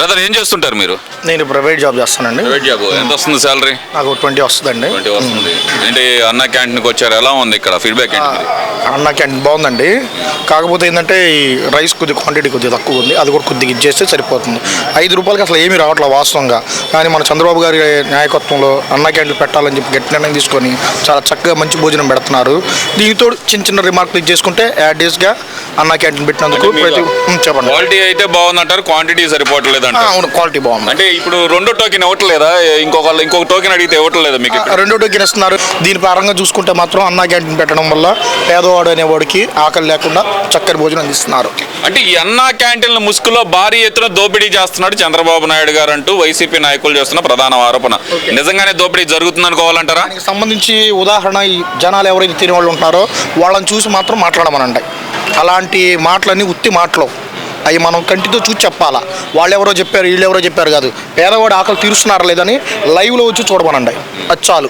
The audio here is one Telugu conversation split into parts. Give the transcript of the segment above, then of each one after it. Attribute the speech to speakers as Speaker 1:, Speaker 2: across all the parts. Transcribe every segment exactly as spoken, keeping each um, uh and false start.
Speaker 1: బ్రదర్ ఏం చేస్తుంటారు మీరు?
Speaker 2: నేను ప్రైవేట్ జాబ్ చేస్తానండి.
Speaker 1: Private job. ఎంత వస్తుంది సాలరీ?
Speaker 2: నాకు ట్వంటీ వస్తుందండి.
Speaker 1: ట్వంటీ వస్తుంది. ఏంటి అన్న క్యాంటీన్కి వచ్చారు, ఎలా ఉంది ఇక్కడ ఫీడ్బ్యాక్ ఏంటి?
Speaker 2: అన్న క్యాంటీన్ బాగుందండి. కాకపోతే ఏంటంటే ఈ రైస్ కొద్దిగా క్వాంటిటీ కొద్దిగా తక్కువ ఉంది. అది కూడా కొద్దిగా ఇచ్చేస్తే సరిపోతుంది. ఐదు రూపాయలకి అసలు ఏమీ రావట్లేదు వాస్తవంగా. కానీ మన చంద్రబాబు గారి నాయకత్వంలో అన్న క్యాంటీన్ పెట్టాలని చెప్పి గట్టి నిర్ణయం తీసుకొని చాలా చక్కగా మంచి భోజనం పెడుతున్నారు. దీంతో చిన్న చిన్న రిమార్కులు చేసుకుంటే యాడ్ డేస్గా అన్న క్యాంటీన్ పెట్టినందుకు ప్రతి చెప్పండి.
Speaker 1: క్వాలిటీ అయితే బాగుందంటారు, క్వాంటిటీ సరిపోవట్లేదు అంటే.
Speaker 2: అవును, క్వాలిటీ బాగుంది.
Speaker 1: అంటే ఇప్పుడు రెండో టోకెన్ ఇవ్వట్లేదా? ఇంకొక ఇంకొక టోకెన్ అడిగితే ఇవ్వట్లేదా మీకు?
Speaker 2: రెండో టోకెన్ ఇస్తున్నారు. దీని పరంగా చూసుకుంటే మాత్రం అన్న క్యాంటీన్ పెట్టడం వల్ల పేదవాడు అనేవాడికి ఆకలి లేకుండా చక్కని భోజనం అందిస్తున్నారు.
Speaker 1: అంటే ఈ అన్న క్యాంటీన్ల ముసుగులో భారీ ఎత్తున దోపిడీ చేస్తున్నాడు చంద్రబాబు నాయుడు గారు అంటూ వైసీపీ నాయకులు చేస్తున్న ప్రధాన ఆరోపణ. నిజంగానే దోపిడీ జరుగుతుంది అనుకోవాలంటారా?
Speaker 2: దానికి సంబంధించి ఉదాహరణ ఈ జనాలు ఎవరైతే తినే వాళ్ళు ఉంటారో వాళ్ళని చూసి మాత్రం మాట్లాడమనండి. అలాంటి మాటలన్నీ ఉత్తి మాటలు అవి మనం కంటితో చూసి చెప్పాలా. వాళ్ళు ఎవరో చెప్పారు, వీళ్ళు ఎవరో చెప్పారు కాదు. పేదవాడు ఆకలి తీరుస్తున్నారా లేదని లైవ్లో వచ్చి చూడమనండి. అది చాలు.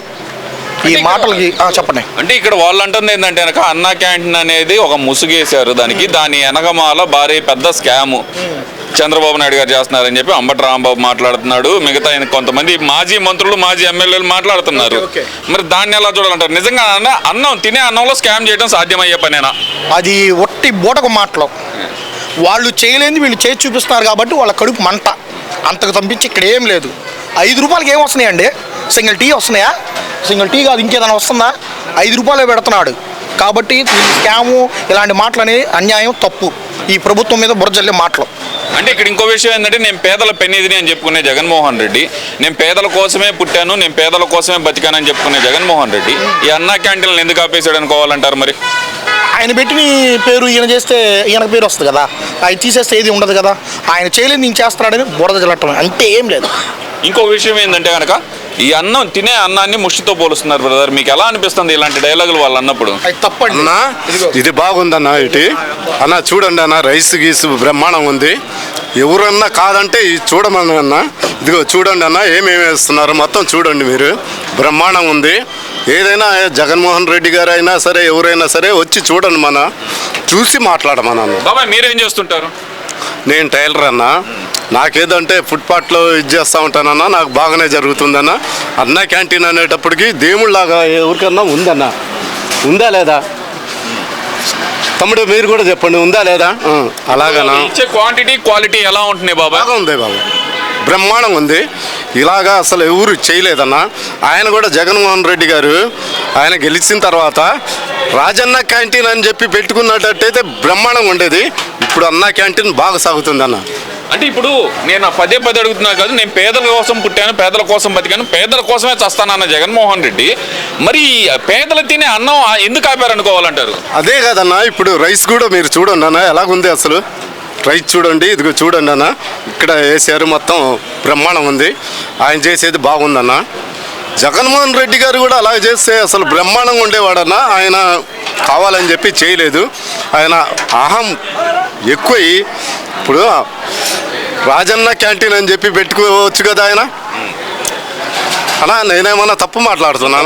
Speaker 2: ఈ మాటలకి చెప్పండి.
Speaker 1: అంటే ఇక్కడ వాళ్ళు అంటుంది ఏంటంటే కనుక అన్న క్యాంటీన్ అనేది ఒక ముసుగేశారు దానికి, దాని వెనకమాల భారీ పెద్ద స్కాము చంద్రబాబు నాయుడు గారు చేస్తున్నారని చెప్పి అంబటి రాంబాబు మాట్లాడుతున్నాడు. మిగతా కొంతమంది మాజీ మంత్రులు, మాజీ ఎమ్మెల్యేలు మాట్లాడుతున్నారు. మరి దాన్ని ఎలా చూడాలంటారు? నిజంగా అన్నం తినే అన్నంలో స్కామ్ చేయడం సాధ్యమయ్యే పనేనా?
Speaker 2: అది ఒట్టి బూటకు మాటలు. వాళ్ళు చేయలేని వీళ్ళు చేసి చూపిస్తున్నారు కాబట్టి వాళ్ళ కడుపు మంట. అంతకు తప్పించి ఇక్కడ ఏం లేదు. ఐదు రూపాయలకి ఏం వస్తున్నాయండి? సింగిల్ టీ వస్తున్నాయా? సింగిల్ టీ కాదు, ఇంకేదైనా వస్తుందా? ఐదు రూపాయలే పెడుతున్నాడు కాబట్టి ఈ స్కాము ఇలాంటి మాటలని అన్యాయం, తప్పు. ఈ ప్రభుత్వం మీద బురజల్లే మాటలు.
Speaker 1: అంటే ఇక్కడ ఇంకో విషయం ఏంటంటే, నేను పేదల పెన్నిధిని అని చెప్పుకునే జగన్మోహన్ రెడ్డి, నేను పేదల కోసమే పుట్టాను, నేను పేదల కోసమే బతికానని చెప్పుకునే జగన్మోహన్ రెడ్డి ఈ అన్న క్యాంటీన్లు ఎందుకు ఆపేసాడు అనుకోవాలంటారు? మరి
Speaker 2: ఆయన పెట్టిన పేరు ఈయన చేస్తే ఈయనకు పేరు వస్తుంది కదా, ఆయన తీసేస్తే ఏది ఉండదు కదా. ఆయన చేయలేదు నేను చేస్తున్నాడని బురద జల్లటం అంటే ఏం లేదు.
Speaker 1: ఇంకో విషయం ఏంటంటే కనుక ఈ అన్నం తినే అన్నాన్ని ముష్టితో పోలుస్తున్నారు బ్రదర్. మీకు ఎలా అనిపిస్తుంది ఇలాంటి డైలాగులు వాళ్ళు అన్నప్పుడు?
Speaker 2: తప్పండి
Speaker 3: అన్న. ఇది బాగుందన్న. ఇటు అన్న చూడండి అన్న, రైస్ గీసు బ్రహ్మాండం ఉంది. ఎవరన్నా కాదంటే చూడమని అన్న. ఇదిగో చూడండి అన్న, ఏమేమి వేస్తున్నారు మొత్తం చూడండి మీరు. బ్రహ్మాండం ఉంది. ఏదైనా జగన్మోహన్ రెడ్డి గారు అయినా సరే ఎవరైనా సరే వచ్చి చూడండి, మన చూసి మాట్లాడమన్న.
Speaker 1: బాబాయ్ మీరేం చేస్తుంటారు?
Speaker 3: నేను టైలర్ అన్న. నాకేదంటే ఫుట్పాత్లో ఇది చేస్తూ ఉంటానన్నా, నాకు బాగానే జరుగుతుందన్న. అన్న క్యాంటీన్ అనేటప్పటికి దేవుళ్ళలాగా ఎవరికన్నా ఉందన్న. ఉందా లేదా తమ్ముడు? మీరు కూడా చెప్పండి, ఉందా లేదా? అలాగనా?
Speaker 1: ఇచ్చే క్వాంటిటీ క్వాలిటీ ఎలా ఉంటున్నాయి బాబా?
Speaker 3: బాగా ఉంది బాబు, బ్రహ్మాండంగా ఉంది. ఇలాగా అసలు ఎవరు చేయలేదన్న. ఆయన కూడా జగన్మోహన్ రెడ్డి గారు ఆయన గెలిచిన తర్వాత రాజన్న క్యాంటీన్ అని చెప్పి పెట్టుకున్నట్టయితే బ్రహ్మాండంగా ఉండేది. ఇప్పుడు అన్న క్యాంటీన్ బాగా సాగుతుంది అన్న.
Speaker 1: అంటే ఇప్పుడు నేను పదే పదే అడుగుతున్నా కాదు, నేను పేదల కోసం పుట్టాను, పేదల కోసం బతికాను, పేదల కోసమే చస్తానన్న జగన్మోహన్ రెడ్డి మరి పేదలు తినే అన్నం ఎందుకు ఆపారనుకోవాలంటారు?
Speaker 3: అదే కదన్నా, ఇప్పుడు రైస్ కూడా మీరు చూడండి అన్న ఎలాగుంది అసలు. రైస్ చూడండి, ఇదిగో చూడండి అన్న, ఇక్కడ వేసారు మొత్తం బ్రహ్మాండం ఉంది. ఆయన చేసేది బాగుందన్న. జగన్మోహన్ రెడ్డి గారు కూడా అలా చేస్తే అసలు బ్రహ్మాండంగా ఉండేవాడన్న. ఆయన కావాలని చెప్పి చేయలేదు. ఆయన అహం ఎక్కువ. ఇప్పుడు రాజన్న క్యాంటీన్ అని చెప్పి పెట్టుకోవచ్చు కదా ఆయన. అలా నేనేమన్నా తప్పు మాట్లాడుతున్నాను?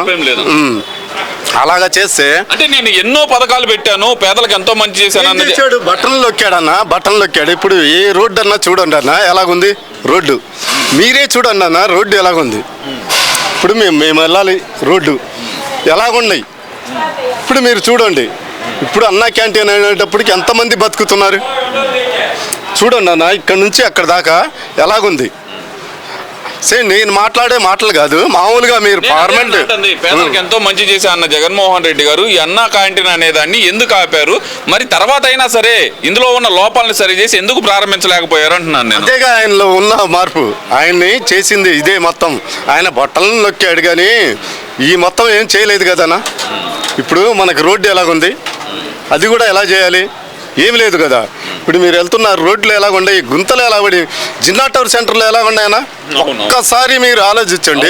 Speaker 3: అలాగా చేస్తే
Speaker 1: అంటే నేను ఎన్నో పథకాలు పెట్టాను, పేదలకు ఎంతో మంచి చేశాను.
Speaker 3: చేశాడు, బట్టలు నొక్కాడన్న, బట్టలు నొక్కాడు. ఇప్పుడు ఏ రోడ్డు అన్నా చూడండి అన్న ఎలాగుంది రోడ్డు. మీరే చూడండి అన్న రోడ్డు ఎలాగుంది. ఇప్పుడు మేము మేము వెళ్ళాలి, రోడ్డు ఎలాగున్నాయి ఇప్పుడు మీరు చూడండి. ఇప్పుడు అన్న క్యాంటీన్ అనేటప్పటికి ఎంతమంది బతుకుతున్నారు చూడండి అన్న. ఇక్కడ నుంచి అక్కడ దాకా ఎలాగుంది. సరే నేను మాట్లాడే మాటలు కాదు, మామూలుగా మీరు పార్లమెంట్
Speaker 1: పేదలకు ఎంతో మంచి చేశా అన్న జగన్మోహన్ రెడ్డి గారు ఈ అన్న క్యాంటీన్ అనేదాన్ని ఎందుకు ఆపారు? మరి తర్వాత అయినా సరే ఇందులో ఉన్న లోపాలను సరి చేసి ఎందుకు ప్రారంభించలేకపోయారు అంటున్నాను నేను.
Speaker 3: అంతేగా ఆయనలో ఉన్న మార్పు. ఆయన్ని చేసింది ఇదే మొత్తం. ఆయన బట్టలను నొక్కాడు కానీ ఈ మొత్తం ఏం చేయలేదు కదన్నా. ఇప్పుడు మనకు రోడ్డు ఎలాగుంది, అది కూడా ఎలా చేయాలి? ఏమి లేదు కదా. ఇప్పుడు మీరు వెళ్తున్నారు, రోడ్లు ఎలాగుండాయి, గుంతలు ఎలాగడి, జిన్నా టవర్ సెంటర్లో ఎలాగున్నాయన్నా ఒక్కసారి మీరు ఆలోచించండి.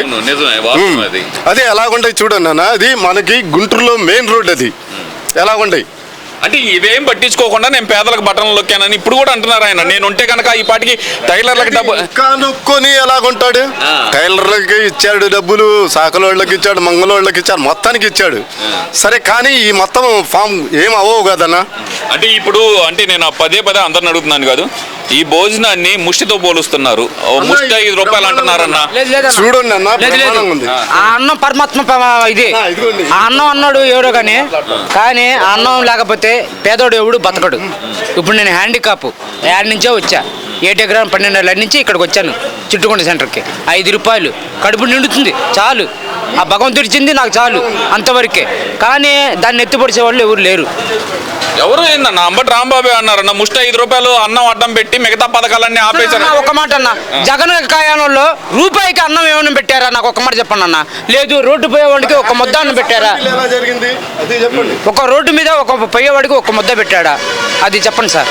Speaker 3: అదే ఎలాగుంటాయి చూడండి అన్న. అది మనకి గుంటూరులో మెయిన్ రోడ్, అది ఎలాగుంటాయి.
Speaker 1: అంటే ఇవేం పట్టించుకోకుండా నేను పేదలకు బట్టలు నొక్కానని ఇప్పుడు కూడా అంటున్నారు ఆయన. నేను ఉంటే కనుక ఈ పాటికి టైలర్లకు డబ్బు
Speaker 3: కనుక్కొని ఎలాగుంటాడు. టైలర్లకి ఇచ్చాడు డబ్బులు, సాకలోళ్ళకి ఇచ్చాడు, మంగళోళ్ళకి ఇచ్చాడు, మొత్తానికి ఇచ్చాడు. సరే కానీ ఈ మొత్తం ఫామ్ ఏం అవ్వవు కదన్నా.
Speaker 1: అంటే ఇప్పుడు అంటే నేను పదే పదే అందరిని అడుగుతున్నాను కాదు, ఈ భోజనాన్ని ముష్టితో పోలుస్తున్నారు. ఓ ముష్టి ఐదు రూపాయలు అంటున్నారన్న.
Speaker 4: లేదు లేదన్న.
Speaker 3: చూడండి అన్న
Speaker 4: లేదు, లేదు.
Speaker 3: బ్రహ్మాండంగా ఉంది.
Speaker 4: ఆ అన్నం పరమాత్మ ప- ఇది
Speaker 3: ఆ, ఇదిగోండి.
Speaker 4: ఆ అన్నం అన్నాడు ఎవడో కానీ కానీ ఆ అన్నం లేకపోతే పేదోడు ఎవడు బతకడు. ఇప్పుడు నేను హ్యాండికాప్ యాడ్ నుంచే వచ్చా. ఏటెగ్రామ్ పన్నెండు ఏళ్ళ నుంచి ఇక్కడికి వచ్చాను చుట్టుకొండ సెంటర్కి. ఐదు రూపాయలు కడుపు నిండుతుంది చాలు. ఆ భగవంతుడు ఇచ్చింది నాకు చాలు అంతవరకే. కానీ దాన్ని ఎత్తిపడిచే వాళ్ళు ఎవరు లేరు.
Speaker 1: ఎవరు ఏందన్న అంబటి రాంబాబు అన్నారన్న ముష్టి ఐదు రూపాయలు అన్నం అడ్డం పెట్టి మిగతా పథకాలన్నీ ఆపేశారు.
Speaker 4: అన్న, ఒక మాట అన్న, జగన్ కాయానంలో రూపాయికి అన్నం ఏమైనా పెట్టారా? నాకు ఒక మాట చెప్పండి అన్న. లేదు, రోడ్డు పోయేవాడికి ఒక ముద్ద అన్నం పెట్టారా?
Speaker 3: ఎలా జరిగింది అది చెప్పండి.
Speaker 4: ఒక రోడ్డు మీద ఒక పోయేవాడికి ఒక ముద్ద పెట్టాడా? అది చెప్పండి సార్.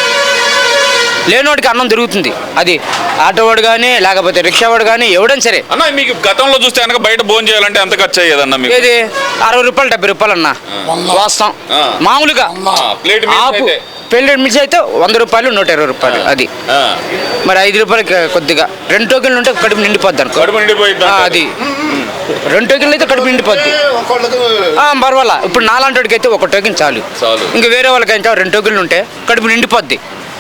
Speaker 4: లేనివాడికి అన్నం దొరుకుతుంది. అది ఆటోవాడు కానీ లేకపోతే రిక్షావాడు కానీ ఎవడైనా సరే.
Speaker 1: అన్న మీకు గతంలో చూస్తే కనుక బయట భోజనం చేయాలంటే ఎంత ఖర్చు అయ్యేదన్న మీకు?
Speaker 4: ఏది అరవై రూపాయలు డెబ్బై రూపాయలు అన్న వాస్తవం.
Speaker 1: ఆ.
Speaker 4: మామూలుగా
Speaker 1: ప్లేట్ మీల్స్
Speaker 4: ఆపు
Speaker 1: అయితే?
Speaker 4: పెళ్ళి మిర్చి అయితే వంద రూపాయలు నూట ఇరవై రూపాయలు. అది
Speaker 1: ఆ.
Speaker 4: మరి ఐదు రూపాయలకి కొద్దిగా రెండు టోకెన్లు ఉంటే కడుపు నిండిపోద్ది అనుకో.
Speaker 1: కడుపు నిండిపోయింది
Speaker 4: ఆ, అది రెండు టోకెన్లు అయితే కడుపు నిండిపోద్ది.
Speaker 3: ఒకళ్ళకు
Speaker 4: ఆ, పర్వాలా. ఇప్పుడు నాలాంటికి అయితే ఒక టోకెన్ చాలు.
Speaker 1: చాలు.
Speaker 4: ఇంకా వేరే వాళ్ళకైతే రెండు టోకెన్లు ఉంటే కడుపు నిండిపోద్ది.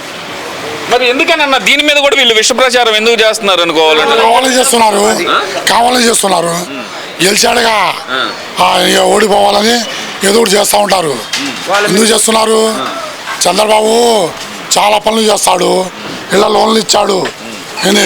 Speaker 1: మరి ఎందుకనన్నా దీని మీద కూడా వీళ్ళు విష ప్రచారం ఎందుకు చేస్తున్నారు అనుకోవాలంటే?
Speaker 5: కావాలని చేస్తున్నారు కావాలని చేస్తున్నారు గెలిచాడుగా ఆ, ఇక ఓడిపోవాలని ఏదో ఒకటి చేస్తూ ఉంటారు. ఎందుకు చేస్తున్నారు? చంద్రబాబు చాలా పనులు చేస్తాడు. ఇలా లోన్లు ఇచ్చాడు, ఏంది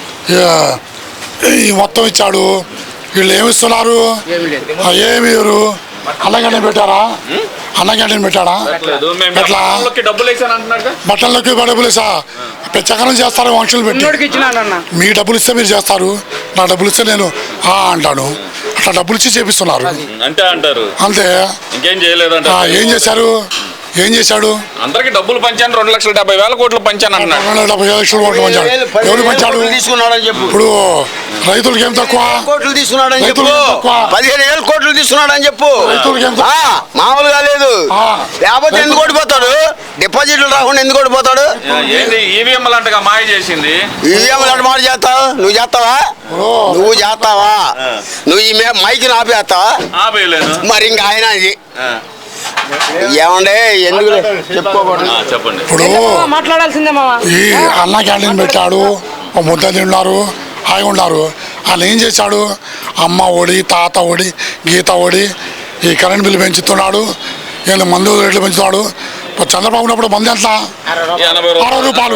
Speaker 5: ఇక ఈ మొత్తం ఇచ్చాడు. వీళ్ళు ఏమి ఇస్తున్నారు? ఆ, ఏమి ఇవ్వరు. అన్న క్యాంటీన్ పెట్టారా? అన్న క్యాంటీన్ పెట్టాడా? ఎట్లా?
Speaker 1: డబ్బులు వేసాను అంటున్నాడు.
Speaker 5: బట్టల్లోకి డబ్బులు వేసా పెచ్చకనం చేస్తారు మనుషులు పెట్టి.
Speaker 4: ఉన్నోడికి ఇచ్చినాడన్న.
Speaker 5: మీ డబ్బులు ఇస్తే మీరు చేస్తారు, నా డబ్బులు ఇస్తే నేను ఆ అంటాను. అట్లా డబ్బులు ఇచ్చి చేపిస్తున్నారు
Speaker 1: అంటే అంటారు.
Speaker 5: అంతే.
Speaker 1: ఇంకేం చేయలేదంట.
Speaker 5: ఆ, ఏం చేశారు? ఏం చేశాడు?
Speaker 1: అందరికి డబ్బులు పంచాను, రెండు లక్షల డెబ్బై వేల కోట్లు పంచాను అంటున్నాడు.
Speaker 5: రెండు వందల డెబ్బై ఐదు లక్షలు ఓట్లు పంచాడు. ఎవరు పంచాడు?
Speaker 6: తీసుకున్నాడని చెప్పు.
Speaker 5: ఇప్పుడు రైతులకి ఏం తక్కువ?
Speaker 6: కోట్లు తీసుకున్నాడని చెప్పు.
Speaker 5: రైతులకి ఏం తక్కువ?
Speaker 6: పదిహేను వేలు కోట్లు తీసుకున్నాడని చెప్పు.
Speaker 5: రైతులకి ఏం తక్కువ?
Speaker 6: ఆ, మామూలుగా లేదు.
Speaker 5: ఆ.
Speaker 6: లేకపోతే ఎందుకు ఓడిపోతాడు? డిపాజిట్లు రాకుండా ఎందుకు ఓడిపోతాడు?
Speaker 1: ఏంది ఈవీఎం లాంటిగా మాయ చేసింది?
Speaker 6: ఈవీఎం లాంటి మాట చేస్తావు? నువ్వు చేస్తావా? నువ్వు చేస్తావా? నువ్వు ఈ మైకి ఆపేస్తావా?
Speaker 1: ఆపేయలేను.
Speaker 6: మరి ఇంకా ఆయన ఇది
Speaker 1: ఆ,
Speaker 6: ఏమండే ఎందుకు చెప్పుకోకూడదు.
Speaker 1: ఆ, చెప్పండి.
Speaker 5: ఇప్పుడు
Speaker 4: మాట్లాడాల్సిందే మామ.
Speaker 5: ఈ అన్న క్యాంటీన్ పెట్టాడు, ఒక ముద్ద తిన్నారు, హాయిగా ఉన్నారు. వాళ్ళు ఏం చేశాడు? అమ్మ ఒడి, తాత ఒడి, గీత ఒడి, ఈ కరెంట్ బిల్లు పెంచుతున్నాడు, వీళ్ళు మందు రేట్లు పెంచుతున్నాడు. ఇప్పుడు చంద్రబాబు ఉన్నప్పుడు మంది ఎంత?
Speaker 1: ఎనభై
Speaker 5: అరవై రూపాయలు,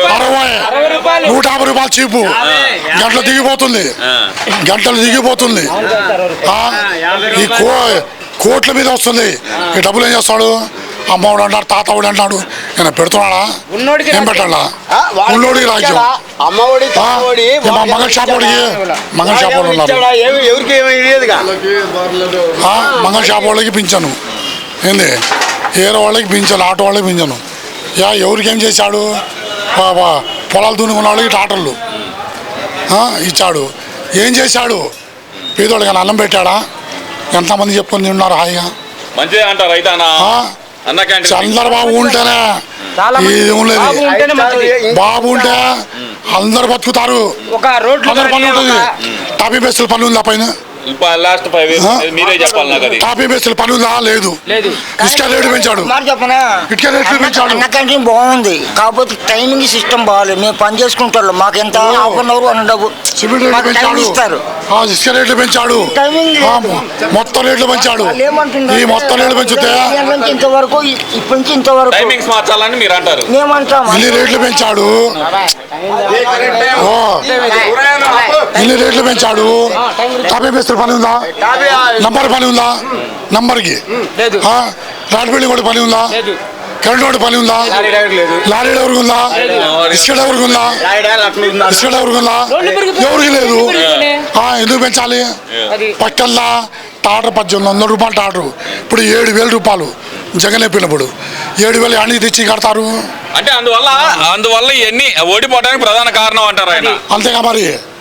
Speaker 5: అరవై నూట యాభై రూపాయలు చీపు. గంటలు దిగిపోతుంది, గంటలు దిగిపోతుంది. ఆ, ఈ కో కోట్ల మీద వస్తుంది. ఈ డబ్బులు ఏం చేస్తాడు? అమ్మఒడు అంటాడు, తాతవుడు అంటాడు. ఈయన పెడుతున్నాడా?
Speaker 4: ఉన్నోడికి
Speaker 5: ఏం పెట్టాలా?
Speaker 6: ఆ, వాడికి
Speaker 5: ఉన్నోడికి రాజ్యం.
Speaker 6: అమ్మఒడి
Speaker 5: ఆ,
Speaker 6: తాతఒడి,
Speaker 5: ఈ మా మంగళ షాపోడికి మంగళ షాపోడు ఉన్నారు.
Speaker 6: ఇచ్చాడా? ఏమి- ఎవరికి ఏమీ లేదుగా.
Speaker 5: ఆ, మంగళ షాపోళ్ళకి పింఛను ఏంది, ఏరో వాళ్ళకి పింఛను, ఆటో వాళ్ళకి పింఛను. యా ఎవరికి ఏం చేశాడు? ప- ప- పొలాలు దున్నుకున్న వాళ్ళకి టాటర్లు ఆ, ఇచ్చాడు. ఏం చేశాడు? పేదోళ్ళకి అన్నం పెట్టాడా? ఎంతమంది చెప్పుకొని ఉన్నారు హాయిగా.
Speaker 1: మంచిదే అంటారు అయితే అన్న.
Speaker 5: ఆ,
Speaker 1: అన్న క్యాంటీన్
Speaker 5: చంద్రబాబు ఉంటేనే
Speaker 4: చాలా మంది
Speaker 5: ఇది ఉండేది.
Speaker 4: బాబు ఉంటేనే మంచిది.
Speaker 5: బాబు ఉంటే అందరు బతుకుతారు,
Speaker 4: ఒక రోడ్లు
Speaker 5: అందరు పని
Speaker 4: కానీ
Speaker 5: ఉంటుంది.
Speaker 4: ఒక-
Speaker 5: టాపీ బెస్సులు పని ఉందా పైన?
Speaker 1: లాస్ట్ ఫైవ్ ఇయర్స్
Speaker 5: ఆ?
Speaker 1: మీరే చెప్పాలి నాకు అది.
Speaker 5: టాపీ బెస్సులు పని ఉందా? లేదు.
Speaker 4: లేదు.
Speaker 5: ఇసుక రేటు పెంచాడు,
Speaker 7: మాట చెప్పనా?
Speaker 5: ఇటుక రేట్లు పెంచాడు.
Speaker 7: అన్న క్యాంటీన్ బాగుంది, కాకపోతే టైమింగ్ సిస్టమ్ బాగాలేదు. మేము పని చేసుకుంటాం, మాకు ఎంత హాఫ్ అన్ అవర్ వన్ డబ్బు
Speaker 5: సిమెంట్ రేట్లు
Speaker 7: మాకు టైం
Speaker 5: పెంచాడు,
Speaker 7: ఇస్తారు.
Speaker 5: ఆ, ఇసుక రేట్లు పెంచాడు,
Speaker 7: టైమింగ్
Speaker 5: ఆ,
Speaker 7: లేదు.
Speaker 5: మొత్తం రేట్లు పెంచాడు.
Speaker 7: వాళ్ళు ఏమంటున్నారు?
Speaker 5: ఈ మొత్తం రేట్లు పెంచితే
Speaker 7: ఈ గంటల నుంచి ఇంతవరకు ఇ- ఇప్పటి నుంచి ఇంతవరకు
Speaker 1: టైమింగ్స్ మార్చాలని మీరు అంటారు.
Speaker 7: మేమంటాం
Speaker 5: ఇన్ని రేట్లు పెంచాడు. ఓ, ఇన్ని రేట్లు పెంచాడు. టాపీ బెస్సులు పని ఉందా? నంబర్ పని ఉందా? నంబర్కి
Speaker 4: లేదు.
Speaker 5: రాడ్ బిల్డింగ్ కూడా పని ఉందా?
Speaker 4: లేదు.
Speaker 5: కరెంట్ వాడి పని ఉందా? లారీ ఎవరికి ఉందా? ఇసుక ఎవరికి ఉందా? ఇసుక ఎవరికి ఉందా? ఎవరికి లేదు. ఆ, ఎందుకు పెంచాలి?
Speaker 4: అది
Speaker 5: పక్కల్లా టాటర్ పద్దెనిమిది వందల రూపాయలు టాటరు, ఇప్పుడు ఏడు వేల రూపాయలు జగన్ అయిపోయినప్పుడు. ఏడు వేలు అన్ని తెచ్చి కడతారు.
Speaker 1: అంటే అందువల్ల అందువల్ల ఇవన్నీ ఓడిపోవడానికి ప్రధాన కారణం అంటారు ఆయన.
Speaker 5: అంతేగా మరి.